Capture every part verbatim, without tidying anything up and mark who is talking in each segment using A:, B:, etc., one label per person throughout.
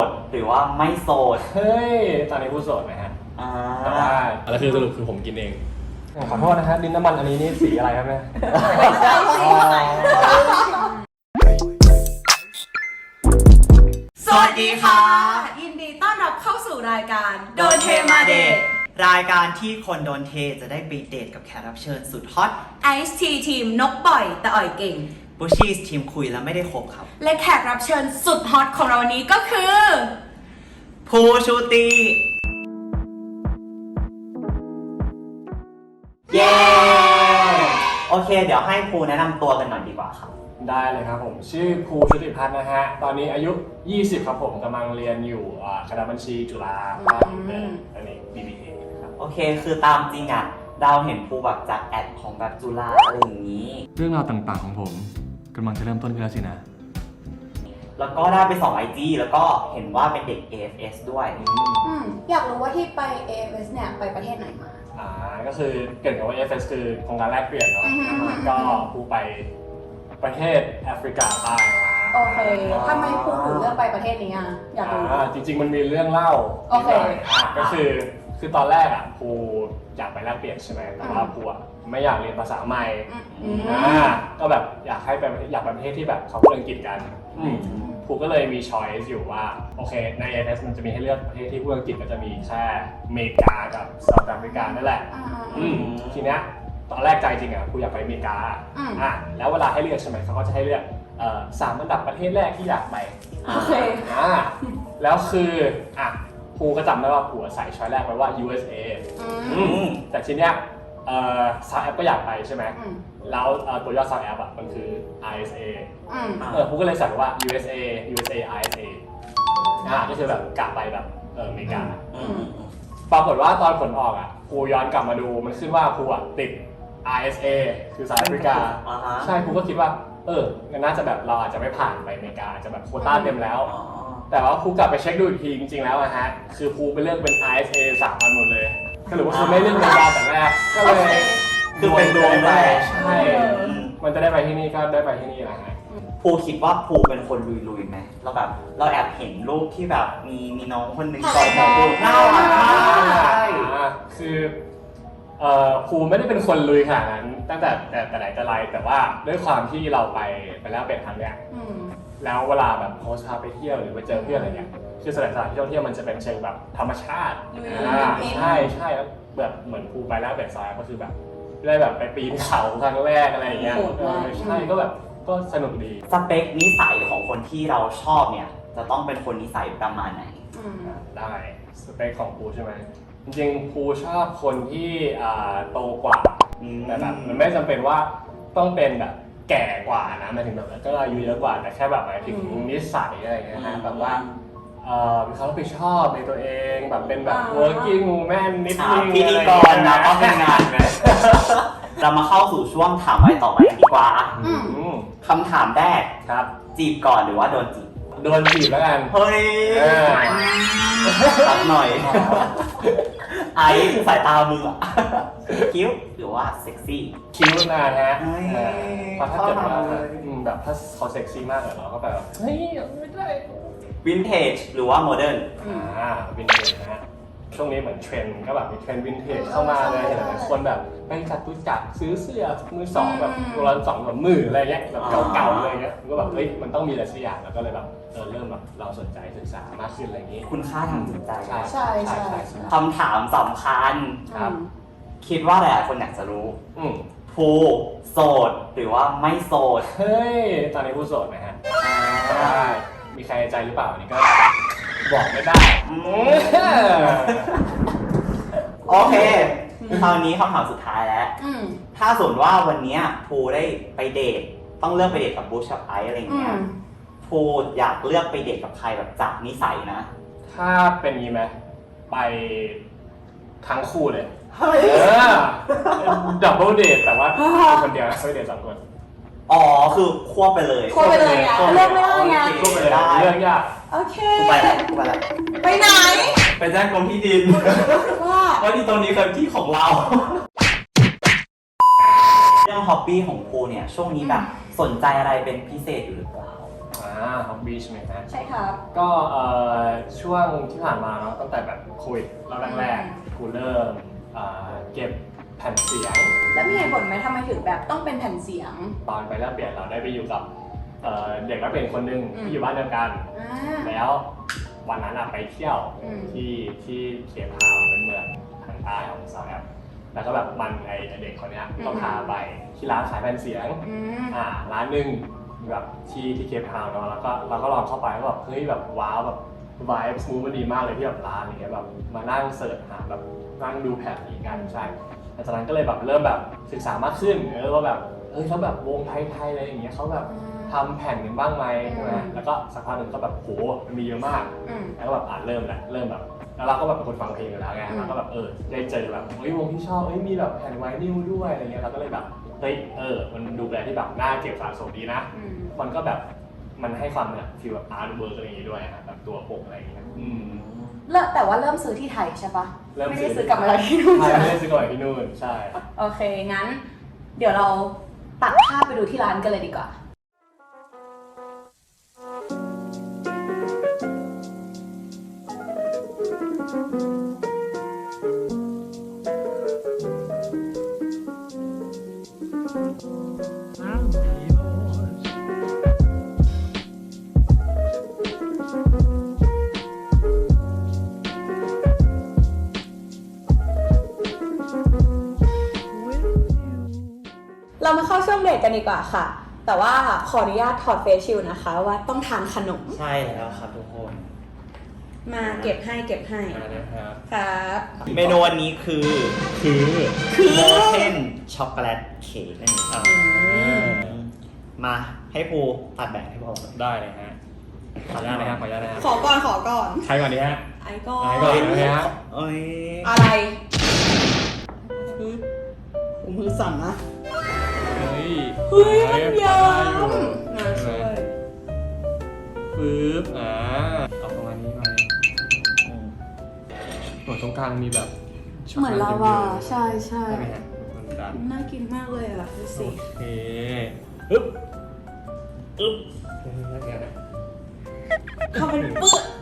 A: หรือว่าไม่โสด
B: เฮ้ยตอนนี้ผู้โสดไหมฮะ
A: อ่า
B: แต่ว่าอะไรคือสรุปคือผมกินเองขอโทษนะฮะดินน้ำมันอันนี้นี่สีอะไรครับเนี่ย
C: สวัสดีค่ะยินดีต้อนรับเข้าสู่รายการโดนเทมาเดท
A: รายการที่คนโดนเทจะได้ไปเดทกับแขกรับเชิญสุดฮอต
C: ไอซ์ทีทีมนกปล่อยแต่อ่อยเก่ง
A: บูชีสทีมคุยแล้วไม่ได้คบครับ
C: และแขกรับเชิญสุดฮอตของเราวันนี้ก็คือ
A: ภูชูตีเย้โอเคเดี๋ยวให้ภูแนะนำตัวกันหน่อยดีกว่าครับ
B: ได้เลยครับผมชื่อภูชุติพัฒน์นะฮะตอนนี้อายุยี่สิบครับผมกำลังเรียนอยู่คณะบัญชีจุฬาครับอันนี้ บี บี เอ ครับ
A: โอเคคือตามจริงอ่ะดาวเห็นภูแบบจากแอดของแบบจุฬาอะไรอย่างนี้
B: เรื่องราวต่างๆของผมกำลังจะเริ่มต้นขึ้นแล้วสินะ
A: แล้วก็ได้ไปส่อง ไอ จี แล้วก็เห็นว่าเป็นเด็ก เอ เอฟ เอส ด้วย
C: อืมอยากรู้ว่าที่ไป เอ เอฟ เอส เนี่ยไปประเทศไหนมา
B: อ่าก็คือเกิดกับว่า เอ เอฟ เอส คือโครงการแลกเปลี่ยนเนาะก็ภูไปประเทศแอฟริกาใต้มา
C: โอเคทำไมภูถึงเลือกไปประเทศนี้อ่ะอยากรู้
B: จริงๆมันมีเรื่องเล่า
C: โอเค
B: ก็คือคือตอนแรกอ่ะภูอยากไปแลกเปลี่ยนใช่ไหมแต่ว่าภูอ่ะไม่อยากเรียนภาษาใหม่อ่าก็แบบอยากให้ไปอยากไปประเทศที่แบบเขาพูดอังกฤษกันภูก็เลยมีช้อยส์อยู่ว่าโอเคใน เอ เอฟ เอส มันจะมีให้เลือกประเทศที่พูดอังกฤษก็จะมีแค่อเมริกากับเซาท์แอฟริกานั่นแหละทีเนี้ยตอนแรกใจจริงอ่ะภูอยากไปอเมริกาอ่ะแล้วเวลาให้เลือกใช่ไหมเขาก็จะให้เลือกสามอันดับประเทศแรกที่อยากไป
C: โอเค
B: อ่าแล้วคืออ่ะภูก็จำได้ว่าภูใส่ช้อยแรกไว้ว่า ยู เอส เอ แต่ทีเนี้ยเอ่อซาวแอปก็อยากไปใช่ไหมแล้วตัวย่อซาวแอปอ่ะมันคือ ไอ เอส เอ เออภูก็เลยใส่ว่า ยู เอส เอ ยู เอส เอ ไอ เอส เอ อ่าก็คือแบบกลับไปแบบเอออเมริกาปรากฏว่าตอนผลออกอ่ะภูย้อนกลับมาดูมันขึ้นว่าภูอ่ะติด ไอ เอส เอ คือสหรัฐอเมริกาใช่ภูก็คิดว่าเออน่าจะแบบเราอาจจะไม่ผ่านไปอเมริกาจะแบบโควต้าเต็มแล้วแต่ว่าภูกลับไปเช็คดูอีกทีจริงๆแล้วอะฮะคือภูไปเลือกเป็น ไอ เอส เอ สามอันหมดเลยก็หรือว่าคือไม่เลือกอเมริกาแต่แรกก็เลย
A: คือเป็นดวงไป
B: ใช่มันจะได้ไปที่นี่ก็ได้ไปที่นี่แหละฮะ
A: ภูคิดว่าภูเป็นคนลุยๆไหมเราแบบเราแอบเห็นรูปที่แบบมีมีน้องคนหนึ่งกอดหมอนน่ารักมากใช่
B: คือเอ่อภูไม่ได้เป็นคนลุยขนาดนั้นตั้งแต่แต่แต่ไหนแต่ไรแต่ว่าด้วยความที่เราไปไปแล้วเป็นครั้งเนี้ยแล้วเวลาแบบโพสต์พาไปเที่ยวหรือไปเจอเพื่อนอะไรเงี้ยคือสถานที่ท่องเที่ยวมันจะเป็นเชิงแบบธรรมชาติใช่ใช่แล้วแบบเหมือนภูไปแล้วเป็นซอยก็คือแบบได้แบบไปปีนเขาครั้งแรกอะไรอย่างเงี้ยใช่ก็แบบก็สนุกดี
A: สเปคนิสัยของคนที่เราชอบเนี่ยจะต้องเป็นคนนิสัยประมาณไหน
B: ได้สเปคของภูใช่ไหมจริงๆภูชอบคนที่โตกว่าแต่แบบมันไม่จำเป็นว่าต้องเป็นแบบแก่กว่านะหมายถึงแบบก็อายุเยอะกว่าแต่แค่แบบหมายถึงนิสัยอะไรเงี้ยนะแบบว่ามีความรับผิดชอบในตัวเองแบบเป็นแบบ working woman นิดนึง
A: พิธีกรนะก็เป็นงานเลยเรามาเข้าสู่ช่วงถามไปต่อไปดีกว่าคำถามแรก
B: ครับ
A: จีบก่อนหรือว่าโดนจีบ
B: โดนจีบแล้วกัน
A: เฮ้ยตัดหน่อยไอ้สายตามืออะคิ้วหรือว่าเซ็กซี่
B: คิ้วนะฮะเพราะถ้าเกิดว่าแบบถ้าเขาเซ็กซี่มากเลยเราก็แบบเฮ้ยไม่ได้
A: วินเทจหรือว่าโมเดิร์น
B: อ่าวินเทจนะฮะช่วงนี้เหมือนเทรนด์ก็แบบมีเทรนด์วินเทจเข้ามาเลยเห็นหลายคนแบบไปจัดตุจักซื้อเสื้อมือสองแบบตัวละสองแบบมืออะไรเงี้ยแบบเก่าๆอะไรเงี้ยก็แบบเฮ้ยมันต้องมีอะไรสักอย่างแล้วก็เลยแบบเออเริ่มแบบเราสนใจศึกษามากขึ้นอะไรอย่างงี้
A: คุณค่าทางจิตใจ
C: ใช่ใช่ใช่
A: คำถามสำคัญครับคิดว่าหลายคนอยากจะรู้ภูโสดหรือว่าไม่โสด
B: เฮ้ยตอนนี้ภูโสดไหมฮะมีใครในใจหรือเปล่านี่ก็บอกไม่ได้
A: โอเคคราวนี้คำถามสุดท้ายแล้วถ้าสมมติว่าวันนี้ภูได้ไปเดทต้องเลือกไปเดทกับบูชกับไอซ์อะไรเงี้ยภูอยากเลือกไปเดทกับใครแบบจากนิสัยนะ
B: ถ้าเป็นงี้ไหมไปทั้งคู่เลย
A: เฮ้ย
B: ดับเบิลเดทแต่ว่าคนเดียวไม่เดทสองคน
A: อ๋อคือควบไปเลย
C: ควบไปเลยไงเลือกไม่ได้ไง
B: ควบไปเลยเลือกยาก
C: โอเค
A: กูไปแล้วกูไปแล้ว
C: ไปไหน
A: ไปแจ้งกรมที่ดินว่าว่าที่ตรงนี้คือที่ของเราเรื่องฮอบบี้ของภูเนี่ยช่วงนี้แบบสนใจอะไรเป็นพิเศษอยู่หรือเปล่า
B: อ่าอ่าฮอบบี้ใช่ไหมฮะ
C: ใช่ครับ
B: ก็เอ่อช่วงที่ผ่านมาเนาะตั้งแต่แบบโควิดรอบแรกๆกูเริ่มเอ่อเก็บแผ่นเสียง
C: แล้วมีเหตุผลไหมทำไมถึงแบบต้องเป็นแผ่นเสียง
B: ตอนไปแลกเปลี่ยนเราได้ไปอยู่กับเอ่อเด็กแลกเปลี่ยนคนหนึ่ง
C: อืม
B: ที่อยู่บ้านเดียวกัน
C: อ่า
B: แล้ววันนั้นอะไปเที่ยว
C: อืม
B: ที่ที่เคปทาวน์เป็นเมืองทางใต้ของเซาท์แอฟแล้วก็แบบมันไอเด็กคนเนี้ยก็พาไปที่ร้านขายแผ่นเสียง
C: อืม
B: อ่าร้านหนึ่งแบบที่ที่เคปทาวน์เนาะแล้วก็เราก็ลองเข้าไปแล้วแบบเฮ้ยแบบว้าวแบบวายสมูทมันดีมากเลยที่แบบร้านอย่างเงี้ยแบบมานั่งเสิร์ชหาแบบนั่งดูแผ่นนี้กันใช่หลังจากนั้นก็เลยแบบเริ่มแบบศึกษามากขึ้นเออว่าแบบเออเขาแบบวงไทยๆอะไรอย่างเงี้ยเขาแบบทำแผ่นกันบ้างไหมใช่ไหมแล้วก็สักพักหนึ่งก็แบบโหมันมีเยอะมาก
C: อืม
B: แล้วก็แบบอ่านเริ่มแหละเริ่มแบบแล้วเราก็แบบเป็นคนฟังเพลงอยู่แล้วไง
C: อืม
B: เราก็แบบเออได้เจอแบบเฮ้ยวงที่ชอบเฮ้ยมีแบบแผ่นไวนิลด้วยอะไรเงี้ยเราก็เลยแบบเฮ้ยเออมันดูแลที่แบบน่าเก็บสะสมดีนะ
C: อืม
B: มันก็แบบมันให้ความแบบฟีลแบบอาร์ตเวิร์กอะไรอย่างงี้ด้วยอะแบบตัวปกอะไรอย่างเงี้ยอืม
C: เริ่มแต่ว่าเริ่มซื้อที่ไทยใช่ปะ
B: เริ่ม
C: ไม่
B: ซื้
C: ได้
B: อ
C: ซื้อกลับมาที่นู่น
B: ใช่
C: ใช่ไหม
B: ไม่ได้ซื้อก่อนที่นู่นใช่
C: โอเค งั้น เดี๋ยวเราตัดภาพไปดูที่ร้านกันเลยดีกว่า เรามาเข้าช่วงเบรกกันดีกว่าค่ะ แต่ว่าขออนุญาตถอดเฟซชิลด์นะคะ ว่าต้องทานขนม
A: ใช่แล้วครับทุกคน
C: มาเก็บให้เก็บให้
B: มานะครับ
C: ครับ
A: เมนูวันนี้คือ
B: คือ
A: โมเทนช็อกโกแลตเค้กนั่นเองครับ
C: อืม
A: มาให้ภูตัดแบ่งให้พอ
B: ได้เลยฮะขออนุญาตนะครับขออนุญาตนะครับ
C: ขอก่อนขอก่อน
B: ใครก่อนดีฮะ
C: ไอ้ก่อ
B: ไอ้ก่อน
C: น
B: นะฮะ
A: เอ้ย
C: อะไรผมมือสั่นนะ
B: เฮ้ย
C: เฮ้ยมันเยิ้ม
B: ได้อยู่
C: มาช่วย
B: ปึ๊บอ่าเอาประมาณนี้มาหัวตรงกลางมีแบบช็ก
C: เหมือน
B: โกแต
C: ลาวา
B: เยิ้มๆ
C: ใช่ใช่
B: ใช่ไหมฮะเหมือนกัน
C: น่ากินมากเลยอ่ะดูสิ
B: โอเคอึ๊บอึ๊บเฮ้ยน่ากินนะ
C: ทำเป็นปึ๊ก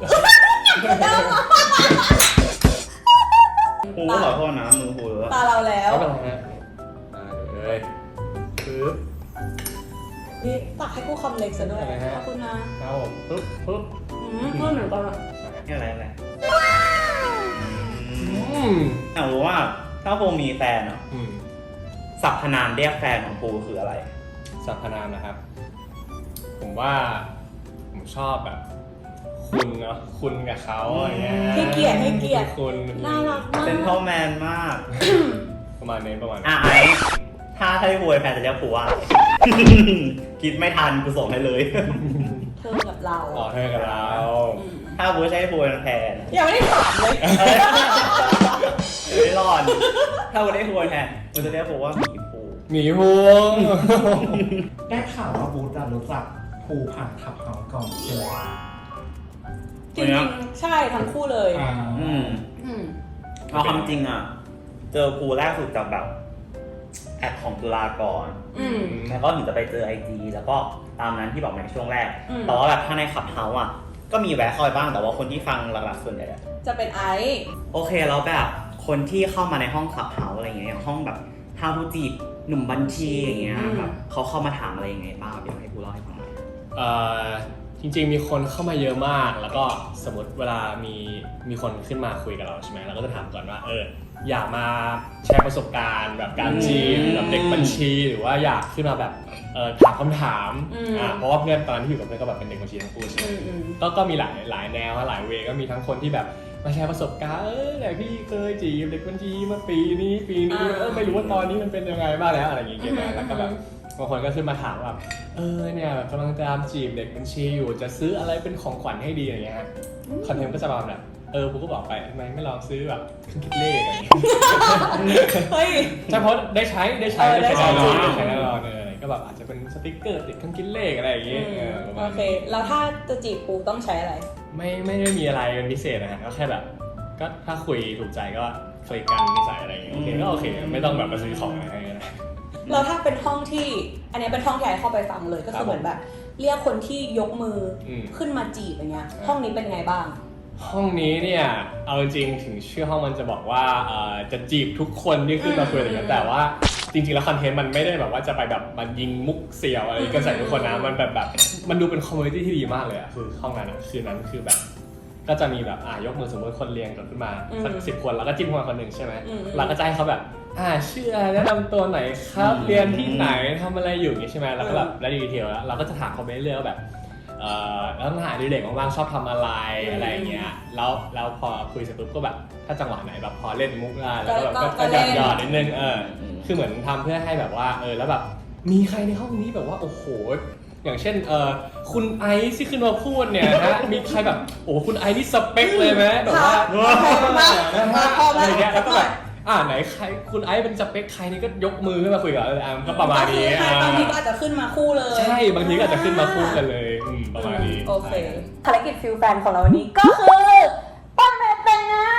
A: ภูขอโทษนะมือภูเลอะ
C: ตาเราแล้ว
B: ไม่เป็นไรฮะมาเลยปึ๊บ
C: นี่ตักให้กูคำเล็กซะด้วย
B: อะไรฮะ
C: ขอบคุณนะ
B: เอาปึ๊บปึ๊บ
C: อืมเพื่อนเหมือนกันอ่ะ
A: นี่อะไรอะไร
B: อืม
A: อยากรู้ว่าถ้าภูมีแฟนอ่ะ
B: อืม
A: สรรพนามเรียกแฟนของภูคืออะไร
B: สรรพนามนะครับ ผมว่าผมชอบแบบ คุณเนาะคุณกับเขาอย่างเงี้ย
C: ให้เกียรติให้เกียรติ
B: คุณ
C: น่ารักมาก
A: เป็นพ่อแมนมาก
B: ประมาณนี้ประมาณนี้
A: อ่ะไอ้ถ้าถ้าให้ภูเป็นแฟนจะเรียกภูว่า คิดไม่ทันกูส่งให้เลย
C: เธอกับเรา
B: ต่อเธอกับเรา
C: อืม
A: ถ้าภูใช้ภูเป็นแฟน
C: ยังไม่ได้ถามเลย
A: เอ้ยไม่รอด ถ้าภูได้ภูเป็นแฟนมันจะเรียกภูว่าหมีภู
B: หมีพวง
D: ได้ข่าวว่าบูธอะรู้จักภูผ่านขับเฮาส์ก่อนใช่ไหม
C: จริงๆใช่ทั้งคู่เลย
D: อ่า
A: อืม
C: อืม
A: เอาความจริงอ่ะ เจอภูแรกสุดจากแบบแอดของจุฬาก่อน
C: อืม
A: แล้วก็ถึงจะไปเจอไอจีแล้วก็ตามนั้นที่บอกในช่วงแรก
C: อืม
A: แต่ว่าแบบถ้าในขับเฮาส์อ่ะ ก็มีแวะเข้าไปบ้างแต่ว่าคนที่ฟังหลักๆส่วนใหญ่อะ
C: จะเป็นไอซ์
A: โอเคแล้วแบบคนที่เข้ามาในห้องขับเฮาส์อะไรอย่างเงี้ยอย่างห้องแบบทาวทูจีบหนุ่มบัญชีอย่างเงี้ยแบบเขาเข้ามาถามอะไรยังไงบ้างอยากให้ภูเล่าให้ฟังหน่อย
B: เอ่อจริงๆมีคนเข้ามาเยอะมาก แล้วก็สมมติเวลามีมีคนขึ้นมาคุยกับเราใช่ไหมเราก็จะถามก่อนว่าเอออยากมาแชร์ประสบการณ์แบบการจีบแบบเด็กบัญชีหรือว่าอยากขึ้นมาแบบเออถามคำถามอ่าเพราะว่าเพื่อนตอนนั้นที่อยู่กับเพื่อนก็แบบเป็นเด็กบัญชีทั้งคู่ใช่ไหม
C: อืมอืม
B: ก็ก็มีหลายหลายแนวหลายเวย์ก็มีทั้งคนที่แบบมาแชร์ประสบการณ์เออไหนพี่เคยจีบเด็กบัญชีเมื่อปีนี้ปีนี้เออไม่รู้ว่าตอนนี้มันเป็นยังไงบ้างแล้วอะไรอย่างเงี้ยนะแล้วก็แบบบางคนก็ขึ้นมาถามแบบเออเนี่ยแบบกำลังตามจีบเด็กบัญชีอยู่จะซื้ออะไรเป็นของขวัญให้ดีอะไรเงี้ยฮะคอนเทนต์ก็จะประมาณแบบเออผมก็บอกไปทำไมไม่ลองซื้อแบบเครื่องคิดเลขอะไรอย่างเงี้ย
C: เฮ้ย
B: ใช่เพราะได้ใช้ได้ใช้
C: เออได้ใช้
B: แน่นอน
C: จริง
B: ได้ใช้แน่นอนเลยก็แบบอาจจะเป็นสติ๊กเกอร์ติดเครื่องคิดเลขอะไรอย่างเงี้ยเออประมา
C: โอ
B: ณ
C: เค
B: นี้
C: แล้วถ้าจะจีบปูต้องใช้อะไร
B: ไม่ไม่ได้มีอะไรเป็นพิเศษนะฮะก็แค่แบบก็ถ้าคุยถูกใจก็คลิกกันนิสัยอะไรอย่างเงี้ยโอเคก็โอเคไม่ต้องแบบมาซื้อของอะไรให้นะ
C: แล้วถ้าเป็นห้องที่ อันนี้เป็นห้องที่ไอเข้าไปฟังเลยก็คือเหมือนแบบเรียกคนที่ยกมืออ
B: ม
C: ขึ้นมาจีบอย่างเงี้ยห้องนี้เป็นไงบ้าง
B: ห้องนี้เนี่ยเอาจริงๆถึงชื่อห้องมันจะบอกว่าเอ่อจะจีบทุกคนที่ขึ้นมาคุยอะไรอย่างเงี้ยแต่ว่าจริงๆแล้วคอนเทนต์มันไม่ได้แบบว่าจะไปแบบมันยิงมุกเสี่ยวอะไรกันใส่ทุกคนนะมันแบบแบบมันดูเป็นคอมมูนิตี้ที่ดีมากเลยอะคือห้องนั้นอะคืนนั้นคือแบบ ก็จะมีแบบอ่ายกมือสมมติคนเรียงกันขึ้นมาสักสิบคนแล้วก็จิ้มคนคนหนึ่งใช่ไหมเราก็จะให้เขาแบบอ่าชื่ออะไรแนะนำตัวไหนครับเรียนที่ไหนทำอะไรอยู่อย่างงี้ใช่ไหมแล้วก็แบบแล้วดีเทลแล้วเราก็จะถามเขาไปเรื่อยๆว่าแบบเอ่อแล้วหาดีเด็กว่างๆชอบทำอะไรอะไรอย่างเงี้ยแล้วแล้วพอคุยเสร็จปุ๊บก็แบบถ้าจังหวะไหนแบบพอเล่นมุกได้แล้วก็แบบก็หยอดหยอดนิดนึงเออคือเหมือนทำเพื่อให้แบบว่าเออแล้วแบบมีใครในห้องนี้แบบว่าโอ้โหอย่างเช่นเออคุณไอซ์ที่ขึ้นมาพูดเนี่ยนะมีใครแบบโอ้คุณไอซ์นี่สเปคเลยไหมแบบว่าอะไรเงี้ยแล้วก็แบบอ่าไหนใครคุณไอซ์เป็นสเปคใครนี่ก็ยกมือขึ้นมาคุยกับเอออ่ะก็ประมาณนี้
C: บางทีก็อาจจะขึ้นมาคู่เลย
B: ใช่บางทีก็อาจจะขึ้นมาคู่กันเลยอืมประมาณนี้
C: โอเคภารกิจฟิลแฟนของเราวันนี้ก็คือปั้นแหวนแต่งงาน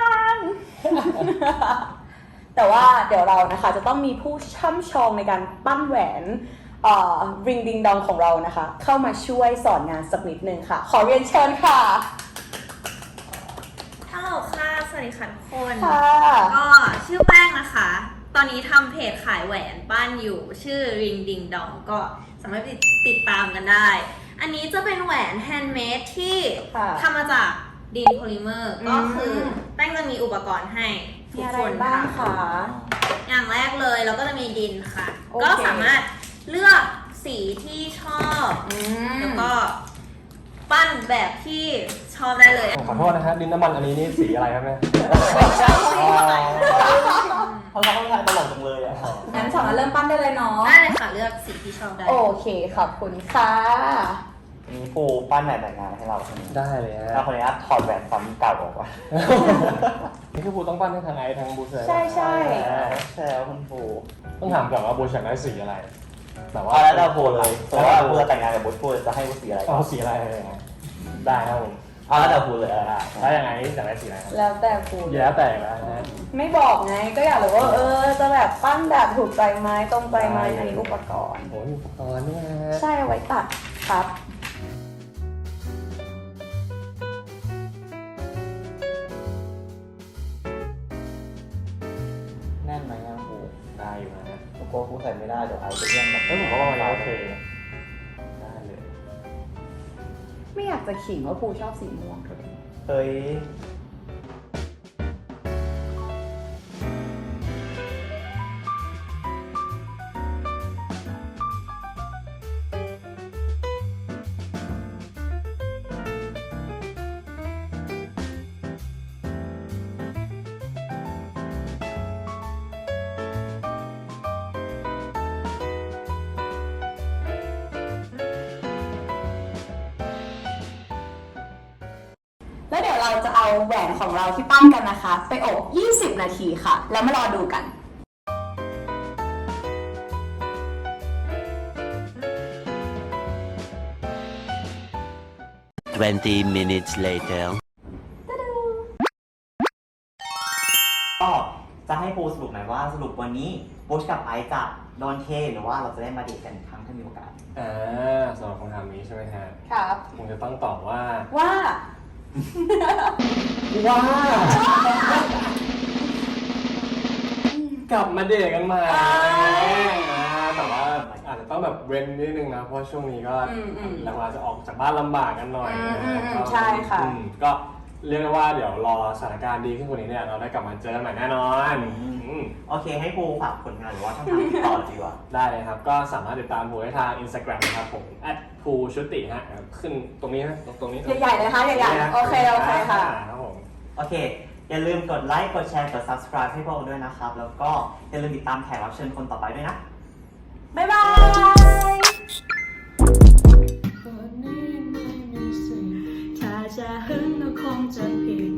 C: แต่ว่าเดี๋ยวเรานะคะจะต้องมีผู้ช่ำชองในการปั้นแหวนเอ่อริงดิงดองของเรานะคะ เข้ามาช่วยสอนงานสักนิดนึงค่ะ ขอเรียนเชิญค่ะ
E: ฮัลโหลค่ะ สวัสดีค่ะทุกคน
C: ค่ะ
E: ก็ชื่อแป้งนะคะ ตอนนี้ทำเพจขายแหวนบ้านอยู่ ชื่อ Ring Ding Dong ก็สามารถติดตามกันได้ อันนี้จะเป็นแหวนแฮนด์เมดที่
C: ค่ะ
E: ทำมาจากดินโพลิเมอร์
C: อืม
E: ก็คือแป้งจะมีอุปกรณ์ให้ทุ
C: มี
E: ก
C: อะไร
E: คน
C: บ้าง
E: ค่ะ
C: คะ
E: อย่างแรกเลยเราก็จะมีดินค่ะ
C: โอเค
E: ก็สามารถเลือกสีที่ชอบ
C: อืม
E: แล้วก็ปั้นแบบที่ชอบได้เลย
B: ขอโทษนะฮะดินน้ำมันอันนี้นี่สีอะไรครับเนี่ย
A: เขาเขาทายตลกจังเลยอ่ะ
C: งั้นสามารถเริ่มปั้นได้เลยเนาะ
E: ได้เลยค่ะเลือกสีที่ชอบได้
C: โอเคขอบคุณค่ะ
A: มีปูปั้นแหวนแต่งงานให้เราคนนี้
B: ได้เลยฮะ
A: แล้วคนนี้ถอดแหวนซ้ำเก่าออกมา
B: นี่คือบูต้องปั้นให้ทางไอทางบูเซอร์
C: ใช่ใช่
A: ใช่แล้วคุณปู
B: ต้องถามก่อนว่าบูอยากได้สีอะไรแต่ว่า
A: เอาแล้วเราปูเลยแต่ว่าปูจะแต่งงานกับบูปูจะให้บูสีอะไร
B: เอาสีอะไรเลยนะได้ครับผม
A: เอาแล้วเราปูเลยอ่ะ
B: แล้วยังไงอยากได้สีอะไรครับ
C: แล้วแต่คุณ
B: แล้วแต่แล้วนะ
C: ไม่บอกไงก็อยากรู้ว่าเออจะแบบปั้นแบบถูกใจไหมตรงใจไหมอันนี้อุปกรณ์
B: โอ้ยอุปกรณ์เนี่ยฮะ
C: ใช่เอาไว้ตัดครับ
A: แน่นไหมอ่ะปู
B: ได้อยู่นะฮะ
A: ปูกลัวปูใส่ไม่ได้เดี๋ยวไอจะเลี่ยงแบบ
B: เฮ้ยผมก็ประมาณนี้โอเคได้เลย
C: ไม่อยากจะขิงว่าภูชอบสีม่วง
A: เฮ้ย
C: แล้วเดี๋ยวเราจะเอาแหวนของเราที่ปั้นกันนะคะ ไปอบ ยี่สิบ นาทีค่ะ แล้วมารอดูกัน
F: twenty minutes later.
A: ก็จะให้ปูสรุปหน่อยว่าสรุปวันนี้บูชกับไอซ์จะโดนเทหรือว่าเราจะได้มาเดทกันอีกครั้งถ้ามีโอกาส
B: อ่าสำหรับคำถามนี้ใช่ไหมฮะ
C: ครับ
B: ผมจะต้องตอบว่า
C: ว่า
B: ว้ากลับมาเดทกันใหม่แต่ว่าอาจจะต้องแบบเว้นนิดนึงนะเพราะช่วงนี้ก็
C: อืมอืม
B: เราอาจจะออกจากบ้านลำบากกันหน่อย
C: อืม
B: นะ
C: อืมอืม
B: ก็
C: ใช่ค่ะ
B: อืมก็เรียกได้ว่าเดี๋ยวรอสถานการณ์ดีขึ้นกว่านี้เนี่ยเราได้กลับมาเจอกันใหม่แน่นอน
A: อืม
B: อืม
A: โอเคให้ปูฝากผลงานหรือว่าช่องทางติดต่อดีกว่า
B: ได้เลยครับก็สามารถติดตามผมได้ทาง Instagram นะครับผม แอท ภูชุติฮะขึ้นตรงนี้นะตรงนี้
C: ใหญ่ๆเลยค่ะใหญ่ๆโอเคโอเคค่ะ
B: ครับผม
A: โอเค อย่าลืมกดไลค์ กดแชร์ กด subscribe ให้พวกเราด้วยนะครับ แล้วก็อย่าลืมติดตามแขกรับเชิญคนต่อไปด้วยนะ
C: บ๊ายบาย ถ้าจะหึงก็คงจะผิด